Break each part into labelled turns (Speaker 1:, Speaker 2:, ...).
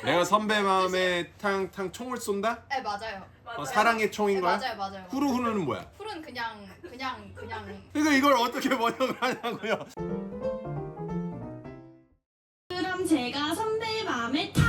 Speaker 1: 내가 선배 마음에 탕 총을 쏜다?
Speaker 2: 네 맞아요.
Speaker 1: 사랑의 총인
Speaker 2: 네,
Speaker 1: 거야?
Speaker 2: 맞아요.
Speaker 1: 후루후루는 뭐야?
Speaker 2: 훌은 그냥.
Speaker 1: 그러니까 이걸 어떻게 번역을 하냐고요?
Speaker 3: 그럼 제가 선배의 마음에 탕.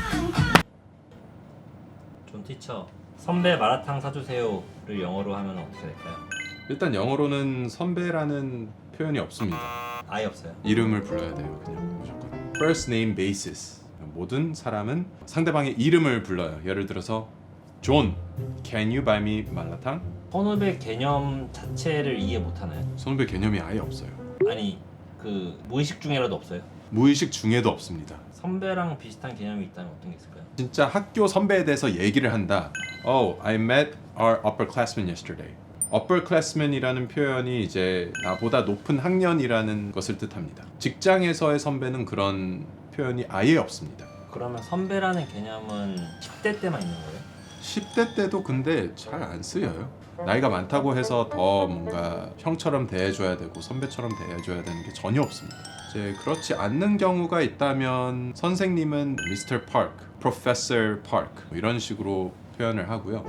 Speaker 4: 존 티처 선배 마라탕 사주세요를 영어로 하면 어떻게 될까요?
Speaker 1: 일단 영어로는 선배라는 표현이 없습니다.
Speaker 4: 아예 없어요.
Speaker 1: 이름을 불러야 돼요, 그냥 무조건. First name basis. 모든 사람은 상대방의 이름을 불러요. 예를 들어서 존, can you buy me 말라탕?
Speaker 4: 선후배 개념 자체를 이해 못하나요?
Speaker 1: 선후배 개념이 아예 없어요.
Speaker 4: 아니 그 무의식 중에라도 없어요?
Speaker 1: 무의식 중에도 없습니다.
Speaker 4: 선배랑 비슷한 개념이 있다면 어떤 게 있을까요?
Speaker 1: 진짜 학교 선배에 대해서 얘기를 한다. Oh, I met our upperclassman yesterday. upperclassman이라는 표현이 이제 나보다 높은 학년이라는 것을 뜻합니다. 직장에서의 선배는 그런 표현이 아예 없습니다.
Speaker 4: 그러면 선배라는 개념은 10대 때만 있는 거예요?
Speaker 1: 10대 때도 근데 잘 안 쓰여요. 나이가 많다고 해서 더 뭔가 형처럼 대해줘야 되고 선배처럼 대해줘야 되는 게 전혀 없습니다. 이제 그렇지 않는 경우가 있다면 선생님은 Mr. Park, Professor Park 뭐 이런 식으로 표현을 하고요.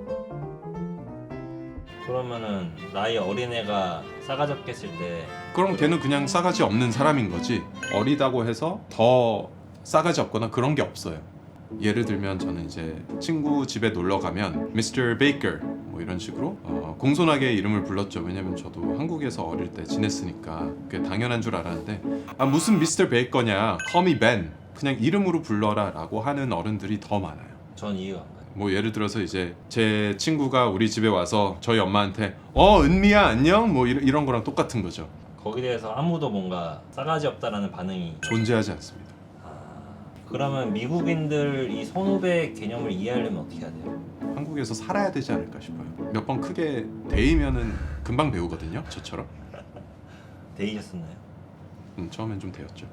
Speaker 4: 그러면은 나이 어린애가 싸가지 없게 했을 때
Speaker 1: 그럼 걔는 그냥 싸가지 없는 사람인 거지 어리다고 해서 더 싸가지 없거나 그런 게 없어요. 예를 들면 저는 이제 친구 집에 놀러 가면 Mr. Baker 뭐 이런 식으로 공손하게 이름을 불렀죠. 왜냐면 저도 한국에서 어릴 때 지냈으니까 그게 당연한 줄 알았는데 아 무슨 Mr. Baker냐 Call me Ben 그냥 이름으로 불러라 라고 하는 어른들이 더 많아요.
Speaker 4: 전 이해가 안 가요.
Speaker 1: 뭐 예를 들어서 이제 제 친구가 우리 집에 와서 저희 엄마한테 은미야 안녕 뭐 이런 거랑 똑같은 거죠.
Speaker 4: 거기에 대해서 아무도 뭔가 싸가지 없다라는 반응이
Speaker 1: 존재하지 않습니다.
Speaker 4: 그러면 미국인들 이 선후배 개념을 이해하려면 어떻게 해야 돼요?
Speaker 1: 한국에서 살아야 되지 않을까 싶어요. 몇 번 크게 데이면은 금방 배우거든요. 저처럼.
Speaker 4: 데이셨었나요?
Speaker 1: 처음엔 좀 데였죠.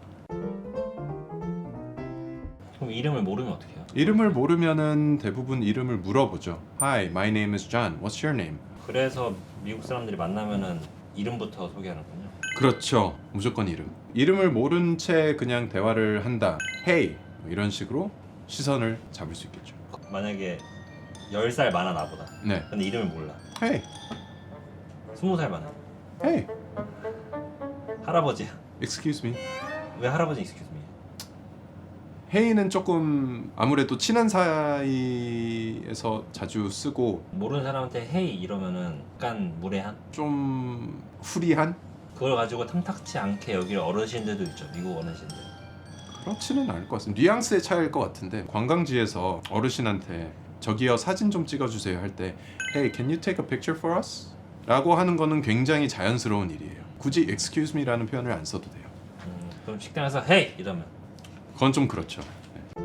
Speaker 4: 그럼 이름을 모르면 어떻게 해요?
Speaker 1: 이름을 모르면은 대부분 이름을 물어보죠. Hi, my name is John. What's your name?
Speaker 4: 그래서 미국 사람들이 만나면은 이름부터 소개하는군요.
Speaker 1: 그렇죠. 무조건 이름. 이름을 모른 채 그냥 대화를 한다. Hey, 뭐 이런 식으로 시선을 잡을 수 있겠죠.
Speaker 4: 만약에 10살 많아 나보다.
Speaker 1: 네.
Speaker 4: 근데 이름을 몰라.
Speaker 1: Hey,
Speaker 4: 20살 많아.
Speaker 1: hey,
Speaker 4: 할아버지야.
Speaker 1: excuse me.
Speaker 4: 왜 할아버지 excuse me?
Speaker 1: Hey는 조금 아무래도 친한 사이에서 자주 쓰고
Speaker 4: 모르는 사람한테 헤이 이러면은 약간 무례한?
Speaker 1: 좀 후리한?
Speaker 4: 그걸 가지고 탐탁치 않게 여길 어르신들도 있죠. 미국 어르신들.
Speaker 1: 그렇지는 않을 것 같습니다. 뉘앙스의 차이일 것 같은데 관광지에서 어르신한테 저기요 사진 좀 찍어주세요 할 때 Hey, can you take a picture for us? 라고 하는 거는 굉장히 자연스러운 일이에요. 굳이 excuse me라는 표현을 안 써도 돼요.
Speaker 4: 그럼 식당에서 헤이 이러면
Speaker 1: 그건 좀 그렇죠. 네.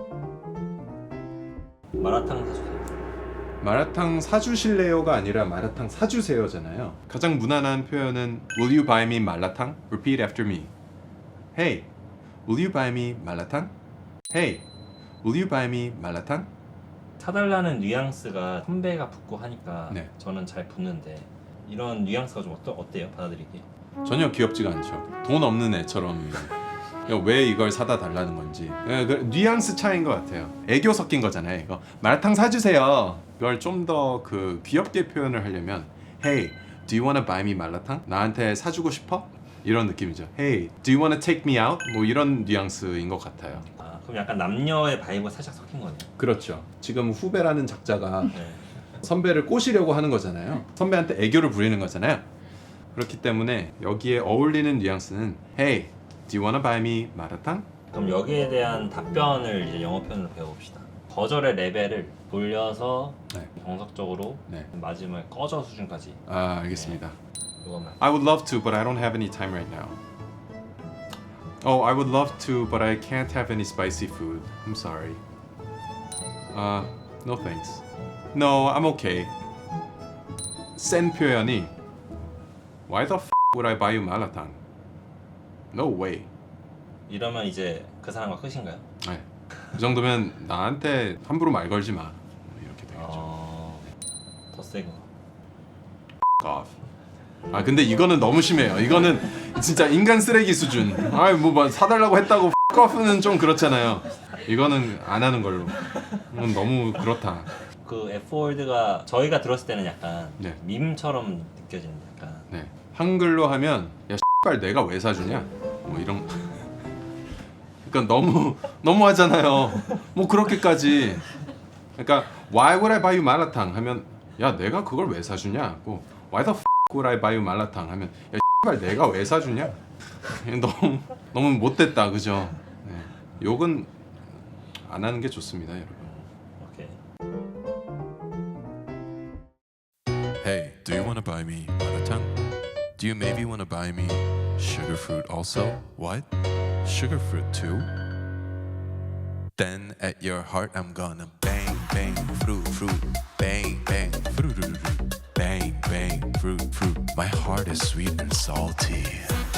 Speaker 4: 마라탕 사주세요.
Speaker 1: 마라탕 사주실래요가 아니라 마라탕 사주세요잖아요. 가장 무난한 표현은 Will you buy me 말라탕? Repeat after me. Hey, will you buy me 말라탕? Hey, will you buy me 말라탕?
Speaker 4: 사달라는 뉘앙스가 선배가 붙고 하니까
Speaker 1: 네.
Speaker 4: 저는 잘 붙는데 이런 뉘앙스가 좀 어때요? 받아들이기?
Speaker 1: 전혀 귀엽지가 않죠. 돈 없는 애처럼 왜 이걸 사다 달라는 건지 그 뉘앙스 차이인 것 같아요. 애교 섞인 거잖아요. 이거 마라탕 사주세요. 이걸 좀 더 그 귀엽게 표현을 하려면 Hey, do you wanna buy me 말라탕? 나한테 사주고 싶어? 이런 느낌이죠. Hey, do you wanna take me out? 뭐 이런 뉘앙스인 것 같아요.
Speaker 4: 그럼 약간 남녀의 바이브가 살짝 섞인 거네요.
Speaker 1: 그렇죠. 지금 후배라는 작자가
Speaker 4: 네.
Speaker 1: 선배를 꼬시려고 하는 거잖아요. 선배한테 애교를 부리는 거잖아요. 그렇기 때문에 여기에 어울리는 뉘앙스는 Hey, do you wanna buy me 마라탕?
Speaker 4: 그럼 여기에 대한 답변을 이제 영어 표현으로 배워봅시다. 거절의 레벨을 돌려서
Speaker 1: 네.
Speaker 4: 정석적으로
Speaker 1: 네.
Speaker 4: 마지막에 꺼져 수준까지.
Speaker 1: 알겠습니다.
Speaker 4: 이거만.
Speaker 1: I would love to, but I don't have any time right now. Oh, I would love to, but I can't have any spicy food. I'm sorry. No thanks. No, I'm okay. 센 표현이 Why the f would I buy you 마라탕? No way.
Speaker 4: 이러면 이제 그 사람과 끝인가요?
Speaker 1: 네. 그 정도면 나한테 함부로 말 걸지 마. 이렇게 되겠죠.
Speaker 4: 더 세고.
Speaker 1: off. 아 근데 이거는 너무 심해요. 이거는 진짜 인간 쓰레기 수준. 아뭐 사달라고 했다고 off는 좀 그렇잖아요. 이거는 안 하는 걸로. 이건 너무 그렇다.
Speaker 4: 그 F월드가 저희가 들었을 때는 약간
Speaker 1: 네.
Speaker 4: 밈처럼 느껴지는 약간
Speaker 1: 네. 한글로 하면 야 X발 내가 왜 사주냐? 뭐 이런. 그러니까 너무 하잖아요. 뭐 그렇게까지. 그러니까 Why would I buy you 마라탕 하면 야 내가 그걸 왜 사주냐? 고 Why the f would I buy you 마라탕 하면 야 X발 내가 왜 사주냐? 너무 못됐다 그죠? 네. 욕은 안 하는 게 좋습니다 여러분.
Speaker 4: 오케이.
Speaker 2: Hey, do you want to buy me maratang? Do you maybe want to buy me sugar fruit also? What? Sugar fruit too? Then at your heart I'm gonna bang bang fruit fruit bang bang fruit fruit fruit bang bang fruit fruit. My heart is sweet and salty.